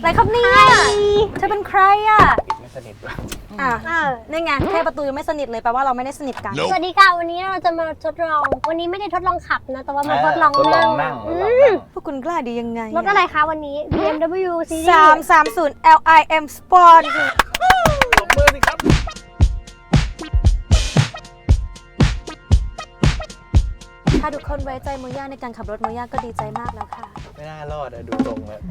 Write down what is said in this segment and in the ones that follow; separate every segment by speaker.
Speaker 1: อะไรครับเนี่ยเธอเป็นใครอ่ะ
Speaker 2: ไม่สนิทด้วย
Speaker 1: นี่ไงแค่ประตูยังไม่สนิทเลยแปลว่าเราไม่ได้สนิทกัน
Speaker 3: สวัสดีค่ะวันนี้เราจะมาทดลองวันนี้ไม่ได้ทดลองขับนะแต่ว่ามาทดลองนั่ง
Speaker 1: พวกคุณกล้าดียังไง
Speaker 3: รถอะไรคะวันนี้ BMW Series
Speaker 1: 330 LIM Sport
Speaker 2: ตบมือสิครับ
Speaker 1: ถ้าทุกคนไว้ใจโมย่าในการขับรถโมย่าก็ดีใจมากแล้วค่ะ
Speaker 2: ไม่น่ารอดอะดูตรงเลย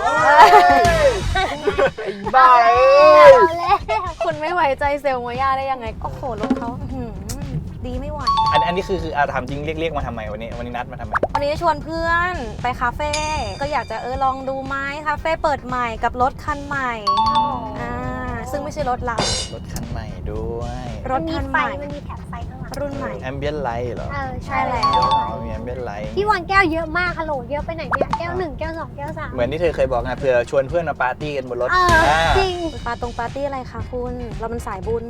Speaker 2: ไอ้บ้า
Speaker 1: คุณไม่ไว้ใจเซลล์โมย่าได้ยังไงโอ้โหรถเขาดีไม่ไหว
Speaker 2: อันนี้คืออาทำจริงเรียกมาทำไมวันนี้นัดมาทำไม
Speaker 1: วันนี้ชวนเพื่อนไปคาเฟ่ก็อยากจะลองดูไหมคาเฟ่เปิดใหม่กับรถคันใหม่ซึ่งไม่ใช่รถเรา
Speaker 2: รถคันใหม่ด้วย
Speaker 1: รถคันใหม่
Speaker 3: มันมีแถบไฟข้างหลัง
Speaker 1: รุ่นใหม่
Speaker 2: Ambient Light เหรอ
Speaker 1: ใช่แล้ว
Speaker 2: มี Ambient Light
Speaker 3: ที่วางแก้วเยอะมากฮัลโหลเยอะไปไหนเนี่ยแก้ว1แก้ว2แก้ว3
Speaker 2: เหมือนที่เธอเคยบอกไงเผื่อชวนเพื่อนมาปาร์ตี้กันบนรถ
Speaker 3: จริง
Speaker 1: ปาร์ตี้อะไรคะคุณเราเป็นสายบุญ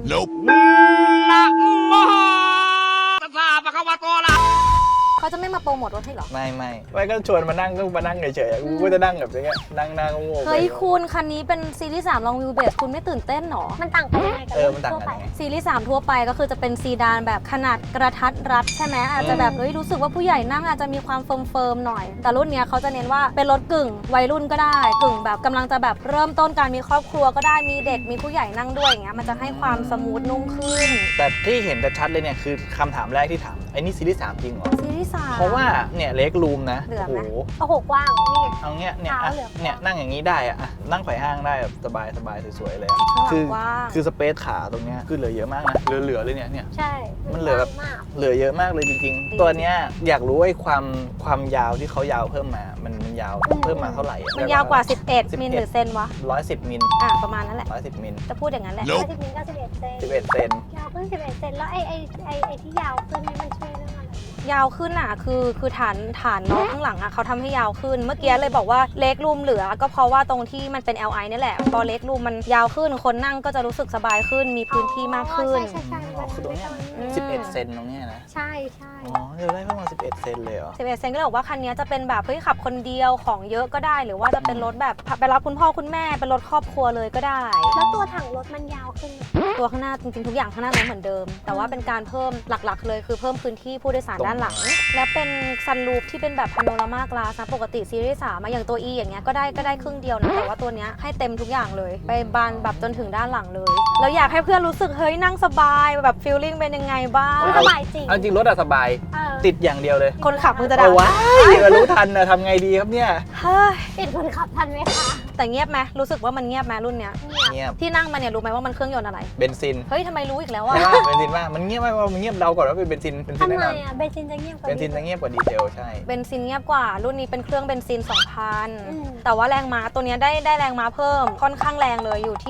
Speaker 1: เขาจะไม่มาโปรโมทรถให้หรอ
Speaker 2: ไม่ก็ชวนมานั่งเฉยๆกูก็จะนั่งแบบนี้นั่งโง่
Speaker 1: เฮ้ยคุณคันนี้เป็นซีรีส์3ลองวิวเบสคุณไม่ตื่นเต้นหรอ
Speaker 3: มันต่างกันยังไงกับ
Speaker 2: มันต่างกันยังไง
Speaker 1: ซีรีส์3ทั่วไปก็คือจะเป็นซีดานแบบขนาดกระทัดรัดใช่ไหมอาจจะแบบรู้สึกว่าผู้ใหญ่นั่งอาจจะมีความเฟิร์มหน่อยแต่รุ่นนี้เขาจะเน้นว่าเป็นรถกึ่งวัยรุ่นก็ได้กึ่งแบบกำลังจะแบบเริ่มต้นการมีครอบครัวก็ได้มีเด็กมีผู้ใหญ่นั่งด้วยอย่างเงี้ยมันจะให้ความสมูทนุ่มขึ้น
Speaker 2: แต่ที่เห็นชัดเลยเนี่ยคือคำถามแรกที่ถามไอ้นี่ซีรีส์3จริงเหรอ
Speaker 1: ซีรีส์3
Speaker 2: เพราะว่าเนี่ยเล็กรูมนะ
Speaker 3: โอ้โหกว้างนี่
Speaker 2: เอาเงี้ยนั่งอย่างนี้ได้อะนั่งไขว่ห้างได้แบบสบายสวยๆเลยคือสเปซขาตรงเนี้ยคือเหลือเยอะมากนะเหลือเลยเนี่ย
Speaker 3: ใช่
Speaker 2: มันเหลือแบบเหลือเยอะมากเลยจริงๆตัวเนี้ยอยากรู้ไอ้ความยาวที่เขายาวเพิ่มมามันยาวเพิ่มมาเท่าไหร่
Speaker 1: มันยาวกว่า11มิลหรือเซนวะ
Speaker 2: 110มิล
Speaker 1: ประมาณนั้นแหละ
Speaker 2: 110มิล
Speaker 1: จะพูดอย่างนั้นแหละ
Speaker 3: 110มิลก็11เซนยาวขึ้น11เซนแล้วไอ้ที่ยาวขึ้นนี่มันช่วยเรื่องอะไร
Speaker 1: ยาวขึ้นคือฐานน้องข้างหลังเขาทำให้ยาวขึ้นเมื่อกี้เลยบอกว่าเล็กรูมเหลือก็เพราะว่าตรงที่มันเป็น LI นี่แหละพอเล็กรูมมันยาวขึ้นคนนั่งก็จะรู้สึกสบายขึ้นมีพื้นที่มากขึ้น
Speaker 3: ใช่
Speaker 2: คือตรงนี้11เซนตรงนี้นะ
Speaker 3: ใช่
Speaker 2: เดี๋ยวได้ประมาณ11เซนเลยเหรอ
Speaker 1: 11เซนก็เลยบอกว่าคันนี้จะเป็นแบบเฮ้ยขับคนเดียวของเยอะก็ได้หรือว่าจะเป็นรถแบบไปรับคุณพ่อคุณแม่เป็นรถครอบครัวเลยก็ได้
Speaker 3: แล้วตัวถังรถมันยาวขึ้น
Speaker 1: ตัวข้างหน้าจริงๆทุกอย่างข้างหน้าเหมือนเดิมแต่ว่าเป็นการเพิ่มหลักๆเลยคือเพิ่มพื้นที่ผู้โดยสารด้านหลังและเป็นซันรูฟที่เป็นแบบพาโนรามากลาสนะปกติซีรีส์3อย่างตัว E อย่างเงี้ยก็ได้ครึ่งเดียวนะแต่ว่าตัวเนี้ยให้เต็มทุกอย่างเลยไปบานแบบจนถึงด้านหลังเลยแล้วอยากให้เพื่อนรู้สึกเฮ้ยนั่งสบายแบบฟีลลิ่งเป็นยังไงบ้าง
Speaker 3: สบายจริง
Speaker 2: จริงรถสบายติดอย่างเดียวเลย
Speaker 1: คนขับมึงจะด่า
Speaker 2: ว้ารู้ทันนะทำไงดีครับเนี่ย
Speaker 3: ติดคนขับทันไหมคะ
Speaker 1: แต่เงียบไหมรู้สึกว่ามันเงียบไหมรุ่นเนี้ย
Speaker 2: เงียบ
Speaker 1: ที่นั่งมาเนี่ยรู้ไหมว่ามันเครื่องยนต์อะไร
Speaker 2: เบนซิน
Speaker 1: เฮ้ยทำไมรู้อีกแล้วอ่ะ
Speaker 2: เบนซินว่ามันเงียบไหมว่ามันเงียบเดาก่อนว่าเป็นเบนซิน
Speaker 3: ทำไมอ่ะเบนซินจะเงียบกว่า
Speaker 2: ดีเซลใช่
Speaker 1: เบนซินเงียบกว่ารุ่นนี้เป็นเครื่องเบนซิน 2,000 แต่ว่าแรงม้าตัวนี้ได้แรงม้าเพิ่มค่อนข้างแรงเลยอยู่ที่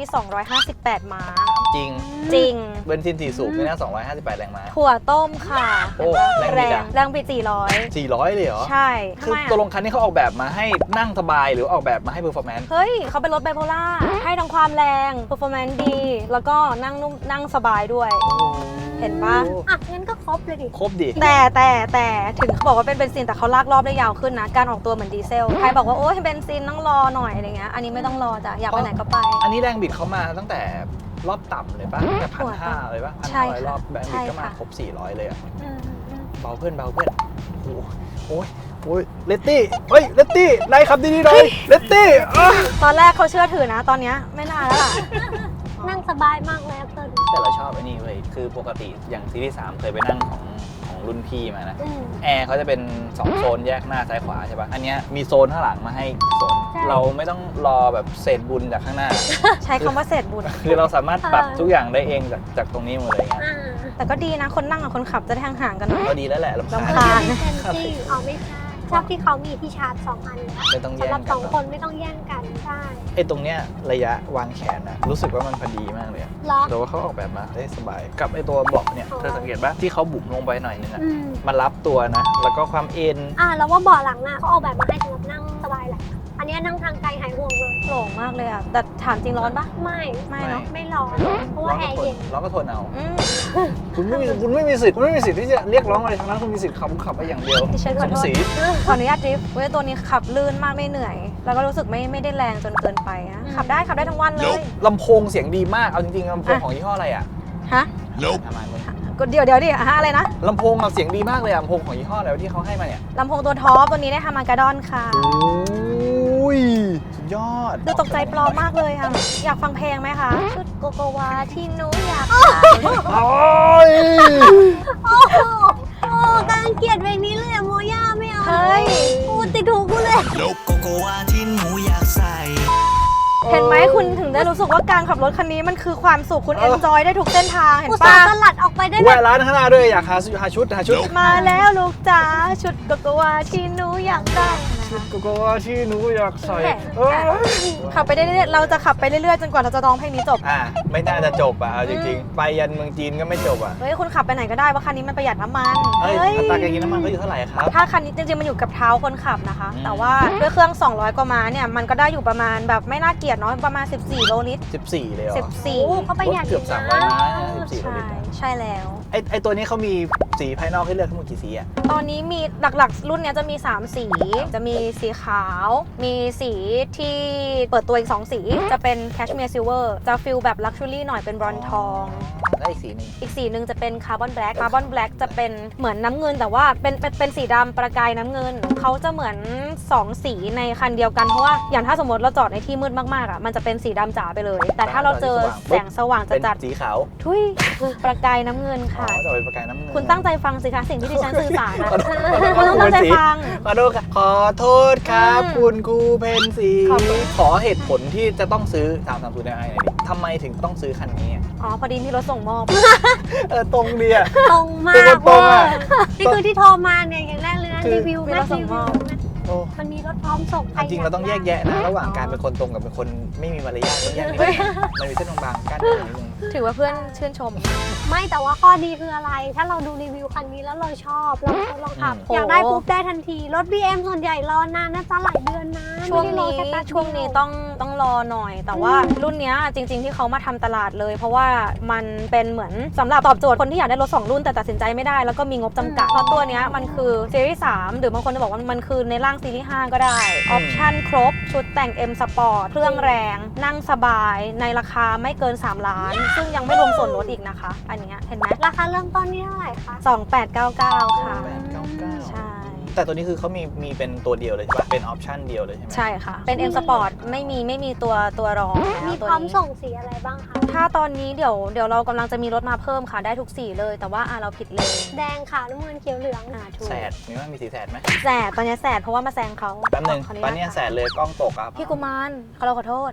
Speaker 1: 258ม้า
Speaker 2: จริงเบนซิน4สูบนี่นะ258แรงม้า
Speaker 1: ถั่วต้มค่ะ
Speaker 2: โอ้
Speaker 1: แรงบิด
Speaker 2: 400เลยเหรอ
Speaker 1: ใช่
Speaker 2: คือตัวลงคันนี้เขาออกแบบมาให้นั่งสบายหรือออกแบบมาให้เพอร์ฟอร์แมนซ์
Speaker 1: เฮ้ยเขาเป็นรถไบโพล่าให้ทั้งความแรงเพอร์ฟอร์แมนซ์ดีแล้วก็นั่งนุ่มนั่งสบายด้วยเห็นปะ
Speaker 3: งั้นก็ครบเลยดิ
Speaker 2: ครบดิ
Speaker 1: แต่ถึงเขาบอกว่าเป็นเบนซินแต่เขาลากรอบได้ยาวขึ้นนะการออกตัวเหมือนดีเซลใครบอกว่าโอ้ยเบนซินต้องรอหน่อยอะไรเงี้ยอันนี้ไม่ต้องรอจ้ะอยากไปไหนก็ไป
Speaker 2: อันนี้แรงบิดเขามาตั้งแต่รอบต่ำเลยป่ะแต่1,500เลยป่ะ1,500รอบแรงบิดก็มาครบ400เลยอ่ะเบาเพื่อนโอ้ยเลตตี้เลตตี้นายขับดีๆหน่อยเลตตี้
Speaker 1: ตอนแรกเขาเชื่อถือนะตอนนี้ไม่น่าแล้วล่ะ
Speaker 3: นั่งสบายมากเลยเติ้ล
Speaker 2: แต่เราชอบไอ้นี่เว้ยคือปกติอย่างซีรีส์3เคยไปนั่งของรุ่นพี่มานะแอร์เขาจะเป็น2โซนแยกหน้าซ้ายขวาใช่ป่ะอันนี้มีโซนข้างหลังมาให้โซนเราไม่ต้องรอแบบเศษบุญจากข้างหน้า
Speaker 1: ใช้คำว่าเศษบุญ
Speaker 2: คือเราสามารถปรับทุกอย่างได้เองจากตรงนี้หมดเลยไง
Speaker 1: แต่ก็ดีนะคนนั่งกับคนขับจะได้ห่างๆกันหน่อย
Speaker 2: ก็ดีแล้วแหละ
Speaker 1: ลำคาญ
Speaker 3: ไม่ใช่ชอบที่เขามีที่ชาร์จ2 อันสำหรับ2 คนไม่ต้องแย่งกันได้
Speaker 2: ไอ้ตรงเนี้ยระยะวางแขนนะรู้สึกว่ามันพอดีมากเลยแต่ว่าเขาออกแบบมาได้สบายกับไอ้ตัวเบาะเนี่ยเธอสังเกตป่ะที่เขาบุ๋มลงไปหน่อยนึงอ่ะมันรับตัวนะแล้วก็ความเอ็น
Speaker 3: แล้วว่าเบาะหลังอ่ะเขาออกแบบมาให้สำหรับนั่งสบายแหละอันนี้นั่งทางไกลหายห่วงเลย
Speaker 1: โหลงมากเลยอ่ะแต่ถามจริงร้อนปะ
Speaker 3: ไม่
Speaker 1: ไม่เนาะ
Speaker 3: ไม่ร้อนเพราะว่าแอร์เย็น
Speaker 2: ร้อนก็ทนเอา
Speaker 1: อืม
Speaker 2: คุณไม่มีสิทธิ์ที่จะเรียกร้องอะไรทั้งนั้นคุณมีสิทธิ์ขับไปอย่างเดียว
Speaker 1: ดิฉันขอโทษ
Speaker 2: สมศรี
Speaker 1: ขออนุญาตดริฟต์เว้ยตัวนี้ขับลื่นมากไม่เหนื่อย แล้วก็รู้สึกไม่ได้แรงจนเกินไปนะขับได้ทั้งวันเลย
Speaker 2: ลำโพงเสียงดีมากเอาจริงๆลำโพงของยี่ห้ออะไรอ่ะ
Speaker 1: ฮะ
Speaker 2: ประมาณนี้
Speaker 1: ก็เดี๋ยวดิฮะอะไรนะ
Speaker 2: ลำโพงอะเสียงดีมากเลยอะลำโพงของยี่ห้ออะไรที่เขาให้มาเนี่ย
Speaker 1: ลำโพงตัวท็อปตัวนี้ได้ทำมากาดอนค่ะ
Speaker 2: โอ้ยสุดยอด
Speaker 1: ดูตกใจปลอมมากเลยค่ะ อยากฟังเพลงไหมคะ ชุดโกโกวาที่หนูอยากใส่
Speaker 2: โอ้ย
Speaker 3: โอ้โหโอ้กำลังเกลียดเพลงนี้เลยอะโมย่าไม่เอา
Speaker 1: เฮ้ย
Speaker 3: โอ้ติดหูกูเลย
Speaker 4: โลกโกโกวาที่หนูอยากใส่
Speaker 1: เห็นไหมคุณถึงได้รู้สึกว่าการขับรถคันนี้มันคือความสุขคุณเอนจอยได้ทุกเส้นทางเห็น
Speaker 3: อุตส่า
Speaker 1: ปะ
Speaker 3: ห์สลัดออกไปได้แบ
Speaker 2: แวะ
Speaker 3: บ
Speaker 2: ร้านข้างหน้าด้วยอยากหาชุด
Speaker 1: มาแล้วลูกจ๋าชุดโกโกวาที่หนูอยากได้นะคะ
Speaker 2: โกโกวาที่หนูอยากใส่
Speaker 1: แหม่
Speaker 2: เอ้ย
Speaker 1: ขับไปเรื่อยๆเราจะขับไปเรื่อยๆจนกว่าเราจะร้องเพลงนี้จบ
Speaker 2: ไม่น่าจะจบอะเอาจริงๆ ไปยันเมืองจีนก็ไม่จบอะ
Speaker 1: เฮ้ยคุณขับไปไหนก็ได้ว่าคันนี้มันประหยัดน้ำมัน
Speaker 2: เอ้ยอัตราการกินน้ำมันก็อยู่เท่าไหร่ครับ
Speaker 1: ถ้าคันนี้จริงๆมันอยู่กับเท้าคนขับนะคะ
Speaker 2: อืม
Speaker 1: แต่ว่าด้วยเครื่อง 200 กว่าม้าเนี่ยมันก็ได้อยู่ประมาณแบบไม่น่าเกลียดเนาะประมาณ 14 โลลิตร
Speaker 2: 14เลยเหรอ
Speaker 3: โอ้
Speaker 1: 14
Speaker 3: เขาประหยัด
Speaker 2: เกือบ
Speaker 3: อยู่นะ
Speaker 2: 300ม้า14โล
Speaker 1: ใช่
Speaker 2: ลิตร
Speaker 1: ใช่แล้ว
Speaker 2: ไอตัวนี้เขามีสีภายนอกให้เลือกทั้งหมดกี่สีอะ
Speaker 1: ตอนนี้มีหลักๆ รุ่นเนี้ยจะมี 3 สี จะมีสีขาว มีสีที่เปิดตัวอีก 2 สี จะเป็นแคชเมียร์ซิลเวอร์จะฟิลแบบลักชัวรี่หน่อยเป็นบรอนซ์ทอง
Speaker 2: และอีกสีหนึง
Speaker 1: อีกสีหนึ่งจะเป็นคาร์บอนแบล็กคาร์บอนแบล็กจะเป็นเหมือนน้ำเงินแต่ว่าเป็นสีดำประกายน้ำเงิน เขาจะเหมือน 2 สีในคันเดียวกัน เพราะว่าอย่างถ้าสมมติเราจอดในที่มืดมากๆอ่ะมันจะเป็นสีดำจ๋าไปเลย แต่ถ้าเราเจอแสงสว่าง
Speaker 2: เป็น
Speaker 1: จัด
Speaker 2: สีขาว
Speaker 1: ๆทุยประกายน้ำเงิน
Speaker 2: อ๋อ
Speaker 1: ค่ะ
Speaker 2: จะเป็นประกายน้ำเงิน
Speaker 1: คุณตั้งใจฟังสิคะสิ่งที่ดิฉันสื่อสารนะ
Speaker 2: ขอโทษ
Speaker 1: คุณต้องตั้งใจฟัง
Speaker 2: ขอโทษครับขอโทษครับ
Speaker 1: อืม
Speaker 2: คุณครูเพนสี
Speaker 1: ขอบคุณ
Speaker 2: ขอเหตุผลที่จะต้องซื้อ330 Ti หน่อยดิทำไมถึงต้องซื้อคันนี้อะ
Speaker 1: อ๋อพอดีมีรถส่งมอบ
Speaker 2: ตรงดีอะ
Speaker 3: ตรงมา
Speaker 2: เป็น
Speaker 3: ก
Speaker 2: คนตรงอะ
Speaker 3: นี่คือที่โทรมาเนี่ยอย่างแรกเลยนะ
Speaker 2: คือ
Speaker 3: รีวิว
Speaker 1: มี
Speaker 3: แม่
Speaker 1: รถส่
Speaker 3: รี
Speaker 1: งม
Speaker 3: วิ
Speaker 1: อ
Speaker 3: ว
Speaker 1: บ
Speaker 2: โอ้
Speaker 3: มันมีรถพร้อมส่ง
Speaker 2: จริงๆเราต้องแยกแยะนะระหว่างการเป็นคนตรงกับเป็นคนไม่มีมารยาทต้องแยกนิดนึงมันมีเส้นบางๆกั้นอยู่นิดนึง
Speaker 1: ถือว่าเพื่อนชื่นชม
Speaker 3: ไม่แต่ว่าข้อดีคืออะไร ถ้าเราดูรีวิวคันนี้แล้วเราชอบเราทดลองขับ
Speaker 1: อืม
Speaker 3: อยากได้ปุ๊บได้ทันที รถ BM ส่วนใหญ่รอนานนะจ๊ะหลายเดือนนะ
Speaker 1: ช่วง
Speaker 3: ไม่ได้รอ
Speaker 1: นี้
Speaker 3: แค่แป๊บเดีย
Speaker 1: ช่วงนี้ต้องรอหน่อย แต่ว่ารุ่นเนี้ยจริง ๆ ที่เขามาทำตลาดเลย เพราะว่ามันเป็นเหมือนสำหรับตอบโจทย์คนที่อยากได้รถ 2 รุ่นแต่ตัดสินใจไม่ได้แล้วก็มีงบจำกัด เพราะตัวเนี้ยมันคือซีรีส์3หรือบางคนจะบอกว่ามันคือในร่างซีรีส์5ก็ได้ ออปชั่นครบ ชุดแต่ง M Sport เครื่องแรง นั่งสบายในราคาไม่เกิน 3 ล้าน ซึ่งยังไม่รวมส่วนลดอีกนะคะ อันเนี้ยเห็นไหม
Speaker 3: ราคาเริ่มต้นนี่เท่าไหร่คะ
Speaker 1: 2899 ค่ะ
Speaker 2: 899
Speaker 1: ใช่
Speaker 2: แต่ตัวนี้คือเขามีเป็นตัวเดียวเลยใช่ปะเป็นออปชั่นเดียวเลยใช่ไหม
Speaker 1: ใช่ค่ะ เป็น M Sport ไม่มีตัวรอง
Speaker 3: มี
Speaker 1: ตัว
Speaker 3: พร้อม
Speaker 1: นี้
Speaker 3: ส่งสีอะไรบ้างคะ
Speaker 1: ถ้าตอนนี้เดี๋ยวเรากำลังจะมีรถมาเพิ่มค่ะได้ทุกสีเลย แต่ว่าเราผิดเลน
Speaker 3: แดงขาวน้ำเงินเขียวเหลือง
Speaker 1: ถูก
Speaker 2: แสดมีว่ามีสีแสดไหม
Speaker 1: แสดตอนนี้แสดเพราะว่ามาแซงเขา
Speaker 2: แป๊บนึง
Speaker 1: ขออญา
Speaker 2: ตอนเนี้ย
Speaker 1: ค่ะ
Speaker 2: แสดเลยกล้องตกอ่ะ
Speaker 1: พี่กุมารเราขอโทษ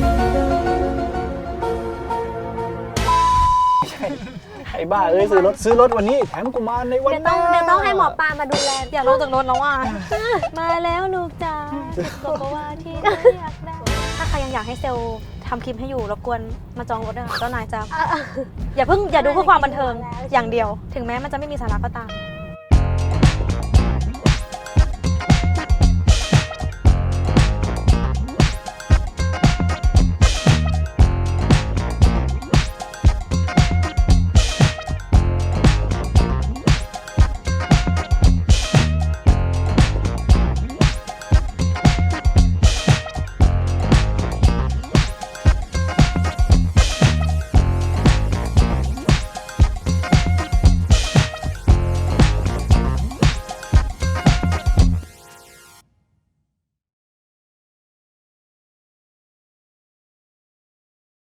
Speaker 2: ไอ้บ้าเอ้ยซื้อรถวันนี้แถมกูมาในวัน
Speaker 3: เดี๋ยว
Speaker 2: ห
Speaker 3: ต้อ
Speaker 2: น้าง
Speaker 3: เดี๋ยวต้องให้หมอปลามาดูแล
Speaker 1: อยากลงจากรถแล้วว่ะ มาแล้วลูกจ๋าบอกว่าที่เราอยากได้ถ้าใครยังอยากให้เซลล์ทำคลิปให้อยู่รบกวนมาจองรถด้วยค่ะเจ้านายจะอย่าดูเพื่อความบันเทิงอย่างเดียว ถึงแม้มันจะไม่มีสาระก็ตาม